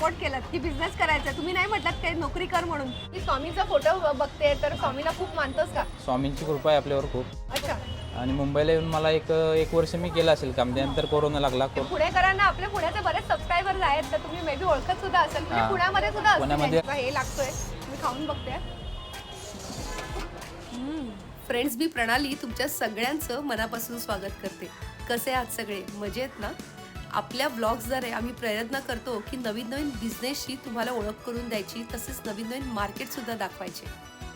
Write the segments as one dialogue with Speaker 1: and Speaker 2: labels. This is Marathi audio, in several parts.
Speaker 1: सपोर्ट केलात की बिझनेस करायचा, तुम्ही नाही म्हटलात काही नोकरी कर म्हणून. मी स्वामींचा फोटो बघते तर स्वामीला खूप मानतोस का?
Speaker 2: स्वामींची कृपा आहे आपल्यावर खूप.
Speaker 1: अच्छा,
Speaker 2: आणि मुंबईला येऊन मला एक वर्ष मी केलं असेल काम. त्यानंतर कोरोना लागला.
Speaker 1: पुणेकरांना आपल्या पुण्याचे बरेच सबस्क्रायबर्स आहेत तर तुम्ही मे बी ओळखत सुद्धा असेल. म्हणजे
Speaker 2: हां.
Speaker 1: पुण्यामध्ये सुद्धा असतील
Speaker 2: पुण्यामध्ये-
Speaker 1: यांच्या. हे लागतोय, मी खाऊन बघते. फ्रेंड्स, मी प्रणाली तुमच्या सगळ्यांचं मनापासून स्वागत करते. कसे आहात सगळे? मजेत ना? आपल्या ब्लॉग्सद्वारे आम्ही प्रयत्न करतो की नवीन नवीन बिझनेसची तुम्हाला ओळख करून द्यायची, तसेच नवीन नवीन मार्केटसुद्धा दाखवायचे.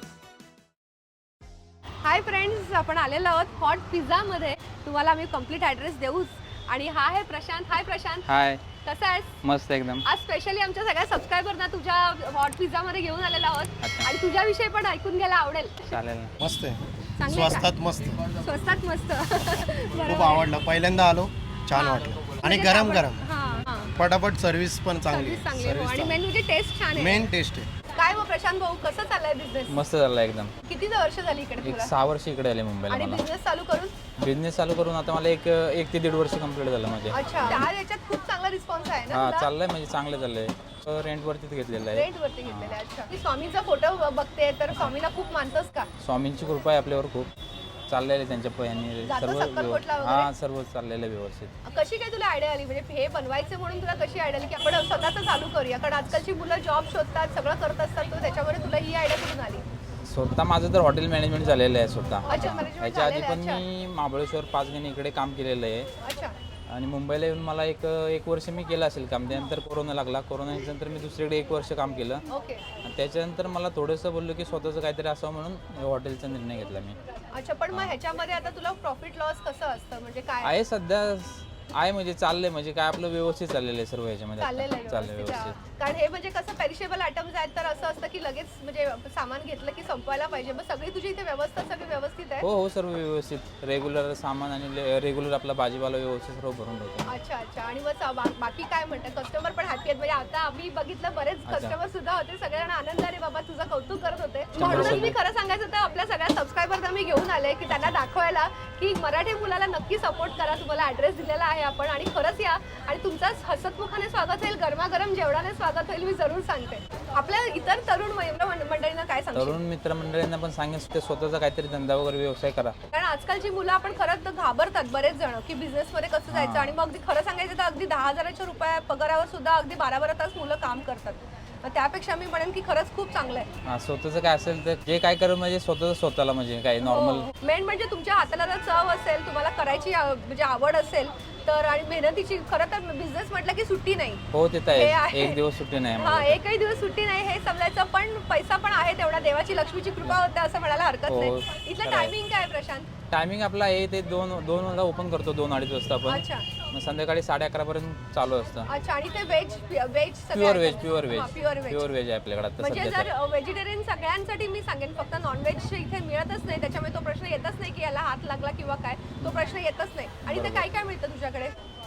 Speaker 1: हाय फ्रेंड्स, आपण आलेलो आहोत हॉट पिझ्झामध्ये. तुम्हाला आम्ही कम्प्लीट ॲड्रेस देऊच. आणि हा आहे प्रशांत. हाय प्रशांत,
Speaker 2: हाय,
Speaker 1: कसा आहेस?
Speaker 2: मस्त एकदम.
Speaker 1: आज स्पेशली आमच्या सगळ्या सबस्क्रायबरना तुझ्या हॉट पिझ्झामध्ये घेऊन आलेलो आहोत.
Speaker 2: अच्छा.
Speaker 1: आणि तुझ्याविषयी पण ऐकून घ्यायला आवडेल.
Speaker 2: चालेल ना.
Speaker 3: मस्त आहे,
Speaker 1: चांगलं आहे का?
Speaker 3: स्वस्तात मस्त,
Speaker 1: स्वस्तात मस्त.
Speaker 3: खूप
Speaker 1: बरोबर.
Speaker 3: आवडलं. पहिल्यांदा आलो, छान
Speaker 1: हां.
Speaker 3: वाटलं. आणि
Speaker 1: म्हणजे
Speaker 3: गरम
Speaker 1: आपण-
Speaker 3: गरम
Speaker 1: हां, हां.
Speaker 3: पटापट सर्व्हिस पण चांगली
Speaker 1: सर्विस चांगली आहे. हो. आणि मेन म्हणजे टेस्ट छान आहे.
Speaker 3: मेन टेस्ट आहे.
Speaker 1: काय मग प्रशांत भाऊ, कसं चाललंय बिझनेस?
Speaker 2: मस्त झालं एकदम.
Speaker 1: किती वर्ष झाली इकडे
Speaker 2: एक
Speaker 1: तुला?
Speaker 2: 6 वर्ष इकडे आले मुंबईला
Speaker 1: आणि
Speaker 2: मला.
Speaker 1: बिझनेस चालू करून?
Speaker 2: बिझनेस चालू करून आता मला एक ते 1.5 वर्ष कंप्लीट झालं माझे.
Speaker 1: अच्छा, त्या याच्यात खूप चांगला रिस्पॉन्स आहे ना
Speaker 2: हा,
Speaker 1: तुला?
Speaker 2: चाललंय म्हणजे चांगलं चाललंय. रेंटवरतीच घेतलेलं आहे.
Speaker 1: रेंट वरती घेतलेले. अच्छा, मी स्वामींचा फोटो बघते तर स्वामीला खूप मानतोस का?
Speaker 2: स्वामींची कृपा आहे आपल्यावर खूप. चाललेलं आहे त्यांच्या पयाने
Speaker 1: जातो
Speaker 2: सर्व
Speaker 1: सक्करकोटला वगैरे?
Speaker 2: हा, सर्व चाललेलं आहे व्यवस्थित.
Speaker 1: कशी काय तुला आयडिया आली, म्हणजे हे बनवायचं म्हणून तुला कशी आयडिया आली की आपण स्वतःच चालू करूया? कारण आजकालची मुलं जॉब शोधतात, सगळं करत असतात, तर त्याच्यामुळे तुला ही आयडिया कुठून आली?
Speaker 2: स्वतः माझं तर हॉटेल मॅनेजमेंट झालेलं आहे स्वतः.
Speaker 1: अच्छा, management
Speaker 2: ह्याच्या आधी
Speaker 1: झालेलं
Speaker 2: पण
Speaker 1: आहे.
Speaker 2: मी महाबळेश्वर 5 महिने इकडे काम केलेलं आहे.
Speaker 1: अच्छा.
Speaker 2: आणि मुंबईला येऊन मला एक वर्ष मी केलं असेल काम. त्यानंतर कोरोना लागला. कोरोनाच्या नंतर मी दुसरीकडे 1 वर्ष काम केलं.
Speaker 1: ओके.
Speaker 2: आणि त्याच्यानंतर मला थोडंसं बोललो की स्वतःचं काहीतरी असावं, म्हणून हॉटेलचा निर्णय घेतला मी.
Speaker 1: अच्छा, पण मग ह्याच्यामध्ये आता तुला प्रॉफिट लॉस कसं असतं, म्हणजे काय
Speaker 2: आहे सध्या आहे, म्हणजे चाललंय, म्हणजे काय आपलं व्यवस्थित चाललेलं आहे सर्व ह्याच्यामध्ये.
Speaker 1: चाललेलं आहे
Speaker 2: चाललंय
Speaker 1: व्यवस्थित?
Speaker 2: व्यवस्थित.
Speaker 1: कारण हे म्हणजे कसं पेरिशेबल आयटम्स आहेत तर असं असतं की लगेच म्हणजे सामान घेतलं की संपवायला पाहिजे. मग सगळी तुझी इथे व्यवस्था सगळी व्यवस्थित आहे?
Speaker 2: हो हो, सर्व व्यवस्थित. रेग्युलर सामान आणि रेग्युलर आपला भाजीपाला व्यवस्थित सर्व भरून ठेवतो.
Speaker 1: अच्छा अच्छा. आणि मग बाकी काय म्हणतात, कस्टमर पण हॅपी आहेत? म्हणजे आता आम्ही बघितलं बरेच
Speaker 2: अच्छा.
Speaker 1: कस्टमर सुद्धा होते, सगळ्यांना आनंद आहे बाबा, तुझं कौतुक करत होते.
Speaker 2: 100%
Speaker 1: म्हणून मी खरं सांगायचं तर आपल्या सगळ्या सबस्क्रायबरना मी घेऊन आले की त्यांना दाखवायला की मराठी मुलाला नक्की सपोर्ट करा. तुम्हाला ॲड्रेस दिलेला आहे आपण, आणि खरंच या आणि तुमचं हसतमुखाने स्वागत होईल, गरमागरम जेवणाने स्वागत होईल, मी जरूर सांगते. आपल्या इतर तरुण मंडळींना काय सांगतो?
Speaker 2: तरुण मित्रमंडळींना पण सांगेन ते स्वतःचा काहीतरी धंदा वगैरे व्यवसाय करा.
Speaker 1: कारण आजकालची मुलं आपण खरंच तर घाबरतात बरेच जण की बिझनेसमध्ये कसं जायचं. आणि मग अगदी खरं सांगायचं तर अगदी 10,000च्या रुपया पगारावर सुद्धा अगदी 12-12 तास मुलं काम करतात. मग त्यापेक्षा मी म्हणेन की खरंच खूप चांगलं आहे.
Speaker 2: हा, स्वतःचं काय असेल तर जे काय करू, म्हणजे स्वतःला म्हणजे काय नॉर्मल.
Speaker 1: मेन म्हणजे तुमच्या हाताला जर चव असेल, तुम्हाला करायची म्हणजे आवड असेल तर, आणि मेहनतीची, खरं तर बिझनेस म्हटलं की सुट्टी नाही.
Speaker 2: हो, ते तर
Speaker 1: हे
Speaker 2: आहे.
Speaker 1: आहे.
Speaker 2: एक दिवस सुट्टी नाही
Speaker 1: हा,
Speaker 2: मला.
Speaker 1: एकही दिवस सुट्टी नाही हे समजायचं. पण पैसा पण आहे तेवढा, देवाची लक्ष्मीची कृपा होते असं म्हणायला हरकत
Speaker 2: हो,
Speaker 1: नाही. इथलं
Speaker 2: खरं आहे.
Speaker 1: टायमिंग काय आहे प्रशांत?
Speaker 2: टायमिंग आपला आहे ते 2 वाजता ओपन करतो, 2-2:30 वाजता आपण.
Speaker 1: अच्छा
Speaker 2: मग संध्याकाळी 11:30 पर्यंत चालू असतं.
Speaker 1: अच्छा. आणि ते veg
Speaker 2: pure veg
Speaker 1: pure veg
Speaker 2: pure veg आहे आपल्याकडे आता
Speaker 1: म्हणजे
Speaker 2: सध्या
Speaker 1: जर व्हेजिटेरियन सगळ्यांसाठी मी सांगेन, फक्त नॉनव्हेज इथे मिळतच नाही, त्याच्यामुळे तो प्रश्न येतच नाही की याला हात लागला किंवा काय, तो प्रश्न येतच नाही. आणि ते
Speaker 2: बरोबर.
Speaker 1: काय काय मिळतं तुझ्याकडे?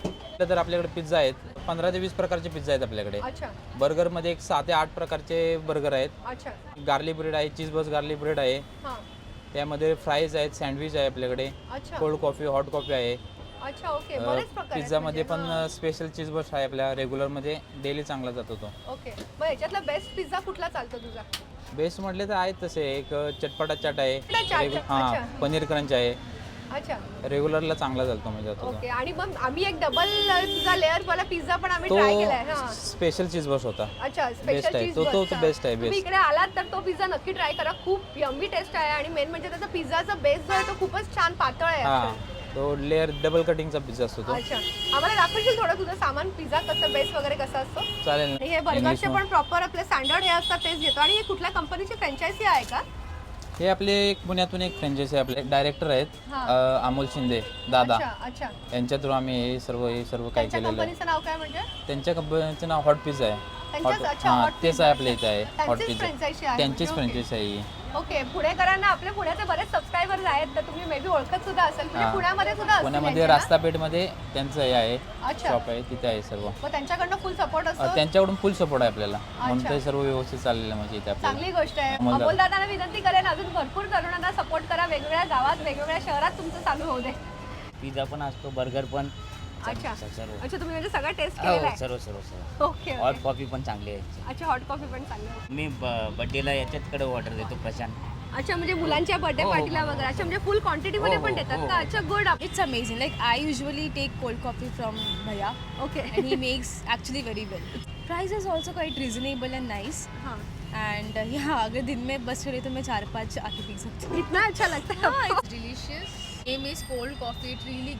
Speaker 2: तर आपल्याकडे पिझ्झा आहेत. 15 ते 20 प्रकारचे पिझ्झा आहेत आपल्याकडे.
Speaker 1: अच्छा
Speaker 2: बर्गरमध्ये एक 6 ते 8 प्रकारचे बर्गर आहेत.
Speaker 1: अच्छा.
Speaker 2: गार्लिक ब्रेड आहे, चीज बस गार्लिक ब्रेड आहे.
Speaker 1: हां.
Speaker 2: त्यामध्ये फ्राईज आहेत, सँडविच आहे आपल्याकडे,
Speaker 1: अच्छा
Speaker 2: कोल्ड कॉफी, हॉट कॉफी आहे.
Speaker 1: अच्छा. ओके, बरेच प्रकार आहेत
Speaker 2: पिझ्झामध्ये
Speaker 1: म्हणजे.
Speaker 2: पण स्पेशल चीज बस आहे आपल्या रेग्युलरमध्ये डेली चांगला जातो तो.
Speaker 1: ओके. मग ह्याच्यातला बेस्ट पिझ्झा कुठला चालतो तुझा?
Speaker 2: बेस्ट म्हटले तर आहेत तसे. एक चटपटा चाट आहे.
Speaker 1: चटपटा चाट,
Speaker 2: हां,
Speaker 1: अच्छा.
Speaker 2: पनीर क्रंच आहे.
Speaker 1: अच्छा.
Speaker 2: रेग्युलरला चांगला चालतो म्हणजे आता तो.
Speaker 1: ओके. आणि मग आम्ही एक डबल तुझा लेअर वाला पिझ्झा पण आम्ही ट्राय केलाय.
Speaker 2: तो
Speaker 1: हां.
Speaker 2: स्पेशल चीज बस होता.
Speaker 1: अच्छा,
Speaker 2: Best
Speaker 1: स्पेशल
Speaker 2: आहे.
Speaker 1: चीज
Speaker 2: तो
Speaker 1: बर्गर.
Speaker 2: best आहे,
Speaker 1: तुम्ही
Speaker 2: best.
Speaker 1: इकडे आलात तर तो पिझ्झा नक्की ट्राय करा. खूप यम्मी टेस्ट आहे. आणि मेन म्हणजे त्याचा पिझ्झाचा बेस जो आहे तो खूपच छान पातळ आहे
Speaker 2: हां,
Speaker 1: actually.
Speaker 2: तो लेअर डबल कटिंगचा पिझ्झा असतो तो.
Speaker 1: अच्छा. आम्हाला दाखवशील थोडं तुझं सामान, पिझ्झा कसं, बेस वगैरे कसं असतो?
Speaker 2: चालेल
Speaker 1: आणि हे
Speaker 2: ना.
Speaker 1: बर्गरचे
Speaker 2: इंग्लिश
Speaker 1: पण प्रॉपर आपले स्टँडर्ड हे असतात तेच घेतो. आणि हे कुठल्या कंपनीची फ्रँचायझी आहे का?
Speaker 2: हे आपले एक पुण्यातून एक फ्रँचायझी आपले डायरेक्टर आहेत,
Speaker 1: हां.
Speaker 2: अमोल शिंदे दादा.
Speaker 1: अच्छा अच्छा.
Speaker 2: यांच्या थ्रू आम्ही हे सर्व काय
Speaker 1: त्यांच्या
Speaker 2: केलेलं आहे.
Speaker 1: कंपनीचं नाव काय म्हणजे?
Speaker 2: त्यांच्या कंपनीचं नाव हॉट पिझ्झा आहे.
Speaker 1: त्यांच्याच? अच्छा,
Speaker 2: हां,
Speaker 1: Hot
Speaker 2: तेच
Speaker 1: Pizza.
Speaker 2: आहे आपल्या इथं आहे हॉट
Speaker 1: त्यांचीच
Speaker 2: पिझ्झा.
Speaker 1: फ्रँचायझी आहे
Speaker 2: त्यांचीच
Speaker 1: म्हणजे.
Speaker 2: फ्रँचायझी आहे ही.
Speaker 1: ओके. पुणेकरांना आपल्या पुण्याचे बरेच सबस्क्रायबर्स आहेत तर तुम्ही मे बी ओळखत सुद्धा असेल, म्हणजे
Speaker 2: हां.
Speaker 1: पुण्यामध्ये सुद्धा असतील
Speaker 2: पुण्यामध्ये
Speaker 1: यांचे ना?
Speaker 2: रास्तापेठमध्ये त्यांचं हे आहे,
Speaker 1: अच्छा.
Speaker 2: शॉप आहे, तिथे आहे सर्व.
Speaker 1: मग त्यांच्याकडनं फुल सपोर्ट असतो?
Speaker 2: त्यांच्याकडून फुल सपोर्ट आहे आपल्याला, म्हणून
Speaker 1: अच्छा.
Speaker 2: ते सर्व व्यवस्थित चाललेलं म्हणजे इथे आपल्याला.
Speaker 1: चांगली गोष्ट आहे.
Speaker 2: अमोल दादा.
Speaker 1: अमोल दादांना विनंती करेन अजून भरपूर तरुणांना सपोर्ट करा. वेगवेगळ्या गावात, वेगवेगळ्या शहरात तुमचं चालू होऊ दे.
Speaker 4: पिझ्झा पण असतो, बर्गर पण,
Speaker 1: अच्छा
Speaker 4: सर्व
Speaker 1: अच्छा तुम्ही म्हणजे सगळं टेस्ट केलेलं
Speaker 4: हो
Speaker 1: आहे
Speaker 4: सर्व सर्व सर्व
Speaker 1: ओके
Speaker 4: हॉट कॉफी पण चांगली आहे
Speaker 1: अच्छा हॉट कॉफी पण चांगली आहे.
Speaker 4: मी बड्डेला याच्यातकडे ऑर्डर देतो प्रशांत.
Speaker 1: अच्छा म्हणजे मुलांच्या बर्थडे
Speaker 4: हो, हो,
Speaker 1: पार्टीला
Speaker 4: हो,
Speaker 1: वगैरे
Speaker 4: हो.
Speaker 1: अच्छा म्हणजे फुल क्वांटिटी मध्ये
Speaker 4: हो,
Speaker 1: पण
Speaker 4: हो,
Speaker 1: देतात
Speaker 4: हो,
Speaker 1: का
Speaker 4: हो.
Speaker 1: अच्छा good
Speaker 5: It's amazing. Like I usually take cold coffee from Bhaiya,
Speaker 1: okay
Speaker 5: and he makes actually very well. Price is also quite reasonable and nice.
Speaker 1: हाँ
Speaker 5: And yeah, अगर दिन में बस चले तो मैं 4-5 आके पी सकती हूँ.
Speaker 1: इतना अच्छा लगता है आपको?
Speaker 6: It's delicious. Name is cold coffee. It really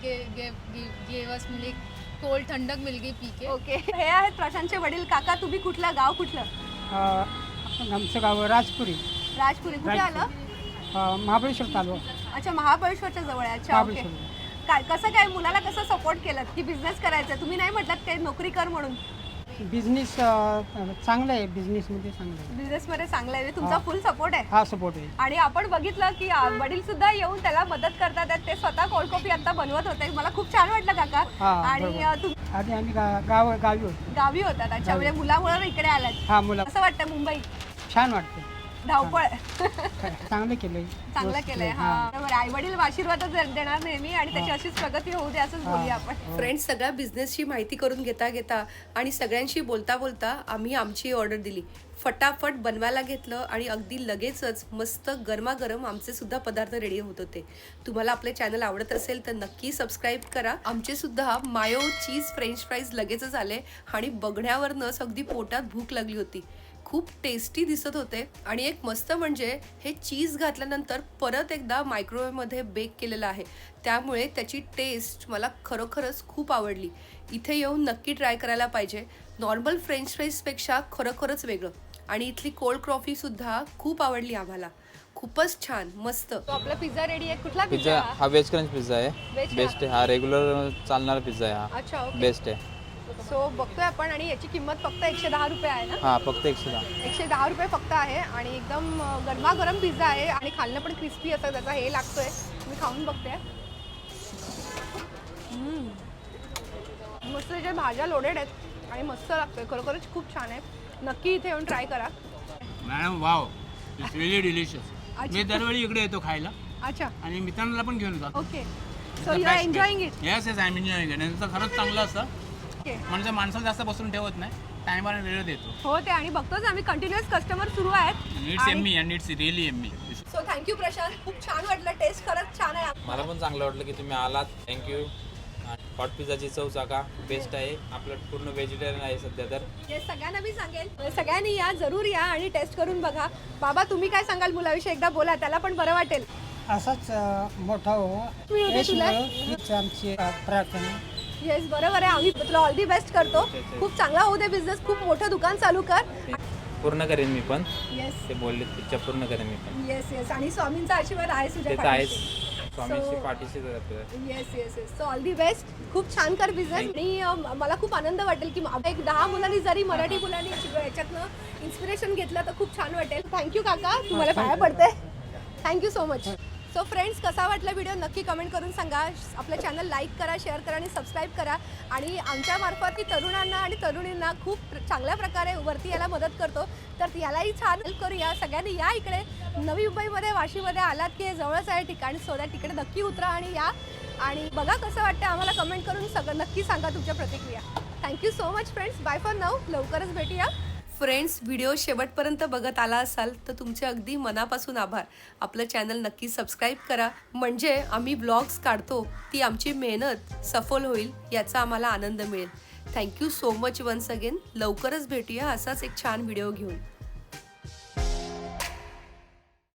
Speaker 6: gave us like cold ठंडक मिल गई पी के.
Speaker 1: ओके हे आहेत प्रशांतचे वडील. काका तुम्ही कुठलं गाव कुठलं?
Speaker 7: आमचं गाव राजपुरी
Speaker 1: राजपुरी कुठे आलं?
Speaker 7: महाबळेश्वर तालुका
Speaker 1: अच्छा महाबळेश्वरच्या जवळ आहे अच्छा ओके
Speaker 7: महाबळेश्वर.
Speaker 1: काय कसं काय मुलाला कसं सपोर्ट केलं की बिझनेस करायचा तुम्ही नाही म्हटलात काही नोकरी कर म्हणून?
Speaker 7: बिझनेस चांगला आहे, बिझनेसमध्ये चांगलं आहे.
Speaker 1: बिझनेस मध्ये चांगला आहे तुमचा
Speaker 7: हा.
Speaker 1: फुल सपोर्ट आहे
Speaker 7: हा सपोर्ट आहे.
Speaker 1: आणि आपण बघितलं की वडील सुद्धा येऊन त्याला मदत करतात आहेत. ते स्वतः कोल्ड कॉफी आता बनवत होते. मला खूप छान वाटलं काका.
Speaker 7: हा,
Speaker 1: आणि
Speaker 7: बरोबर.
Speaker 1: तुम्ही
Speaker 7: आधी आम्ही गावी होतो.
Speaker 1: गावी होतात अच्छा
Speaker 7: गावी.
Speaker 1: म्हणजे मुलामुळे इकडे आलात.
Speaker 7: हा मुला
Speaker 1: कसं वाटतं मुंबई?
Speaker 7: छान वाटतं.
Speaker 1: धावपळ
Speaker 7: चांगलं केलंय.
Speaker 1: चांगलं केलंय हा बरोबर. आई वडील आशीर्वादच देणार नेहमी आणि त्याची अशीच प्रगती होऊ दे असंच बोलूया आपण. फ्रेंड्स सगळ्या बिझनेसची माहिती करून घेता घेता आणि सगळ्यांशी बोलता बोलता आम्ही आमची ऑर्डर दिली. फटाफट बनवायला घेतलं आणि अगदी लगेचच मस्त गरमागरम आमचे सुद्धा पदार्थ रेडी होत होते. तुम्हाला आपले चॅनल आवडत असेल तर नक्की सबस्क्राईब करा. आमचे सुद्धा मायो चीज फ्रेंच फ्राईज लगेचच आले आणि बघण्यावरनंच अगदी पोटात भूक लागली होती. खूप टेस्टी दिसत होते आणि एक मस्त म्हणजे हे चीज घातल्यानंतर परत एकदा मायक्रोवेव्हमध्ये बेक केलेलं आहे त्यामुळे त्याची टेस्ट मला खरोखरच खूप आवडली. इथे येऊन नक्की ट्राय करायला पाहिजे. नॉर्मल फ्रेंच फ्राईजपेक्षा खरोखरच वेगळं. आणि इथली कोल्ड कॉफी सुद्धा खूप आवडली आम्हाला. खूपच छान मस्त. तो आपला पिझ्झा रेडी आहे. कुठला
Speaker 2: पिझ्झा हा वेज क्रंच पिझ्झा आहे.
Speaker 1: Veg
Speaker 2: बेस्ट आहे हा, रेग्युलर चालणारा पिझ्झा आहे हा,
Speaker 1: अच्छा ओके
Speaker 2: बेस्ट आहे.
Speaker 1: सो बघतोय आपण आणि याची किंमत फक्त 110 रुपये आहे ना?
Speaker 2: हा फक्त 110.
Speaker 1: 110 रुपये फक्त आहे आणि एकदम गरमागरम पिझ्झा आहे आणि खाल्लं पण क्रिस्पी असं त्याचा हे लागतोय. मी खाऊन बघते. मस्त त्याच्या भाज्या लोडेड आहेत आणि मस्त लागतोय. खरोखरच खूप छान आहे. नक्की इथे येऊन ट्राय करा.
Speaker 8: Madam wow it's really delicious.
Speaker 1: अच्छा.
Speaker 8: मी दरवेळी इकडे येतो खायला
Speaker 1: अच्छा
Speaker 8: आणि मित्रांना पण घेऊन जातो.
Speaker 1: Okay so you are enjoying it.
Speaker 8: Yes yes I am enjoying it. यांचं खरंच चांगलं असतं
Speaker 1: ओके
Speaker 8: म्हणजे माणसाला जास्त बसून ठेवत नाही, टायमाला वेळ देतो.
Speaker 1: हो ते आणि बघतोच आम्ही कंटिन्युअस कस्टमर सुरू आहेत.
Speaker 8: It's yummy and it's really yummy.
Speaker 1: So thank you Prashant. खूप छान वाटलं. टेस्ट खरंच छान आहे.
Speaker 2: मला पण चांगलं वाटलं की तुम्ही आलात. थँक्यू. हॉट पिझ्झाची चव चाका बेस्ट आहे. आपलं पूर्ण व्हेजिटेरियन आहे सध्या तर.
Speaker 1: हे सगळ्यांना मी सांगेल सगळ्यांनी या जरूर या आणि टेस्ट करून बघा. बाबा तुम्ही काय सांगाल मुलाविषयी एकदा बोला त्याला पण बरं वाटेल.
Speaker 7: असाच मोठा हो
Speaker 1: मिळू दे तुला.
Speaker 7: हीच आमची प्रार्थना.
Speaker 1: येस बरोबर आहे. आम्ही तुला ऑल दी बेस्ट करतो. खूप चांगला होऊ दे बिझनेस. खूप मोठं दुकान चालू कर.
Speaker 2: पूर्ण करेन मी पण.
Speaker 1: येस
Speaker 2: ते बोलले तिच्या पूर्ण करेन मी पण.
Speaker 1: येस येस आणि स्वामींचा आशीर्वाद आहे
Speaker 2: ते
Speaker 1: तुझ्या
Speaker 2: तर आहेच.
Speaker 1: पाठीशी.
Speaker 2: स्वामीची पाठीशी जातो.
Speaker 1: Yes yes yes. So all the best. खूप छान कर बिझनेस आणि मला खूप आनंद वाटेल की एक 10 मुलांनी जरी मराठी मुलांनी याच्यातनं इन्स्पिरेशन घेतलं तर खूप छान वाटेल. थँक्यू काका. तुम्हाला पाया पडते. Thank you so much. So friends कसा वाटला व्हिडिओ नक्की कमेंट करून सांगा. आपलं चॅनल लाईक करा, शेअर करा आणि सबस्क्राईब करा. आणि आमच्यामार्फत ती तरुणांना आणि तरुणींना खूप चांगल्या प्रकारे वरती यायला मदत करतो. तर यालाही छान हेल्प करूया. सगळ्यांनी या इकडे नवी मुंबईमध्ये वाशीमध्ये आलात की हे जवळच आहे ठिकाण. सो त्या तिकडे नक्की उतरा आणि या आणि बघा कसं वाटतं. आम्हाला कमेंट करून सगळं नक्की सांगा तुमच्या प्रतिक्रिया. Thank you so much friends. Bye for now. लवकरच भेटूया. फ्रेंड्स व्हिडिओ शेवटपर्यंत बघत आला असाल तर तुमचे अगदी मनापासून आभार. आपलं चॅनल नक्की सबस्क्राईब करा म्हणजे आम्ही ब्लॉग्स काढतो ती आमची मेहनत सफल होईल याचा आम्हाला आनंद मिळेल. Thank you so much once again. लवकरच भेटूया असाच एक छान व्हिडिओ घेऊन.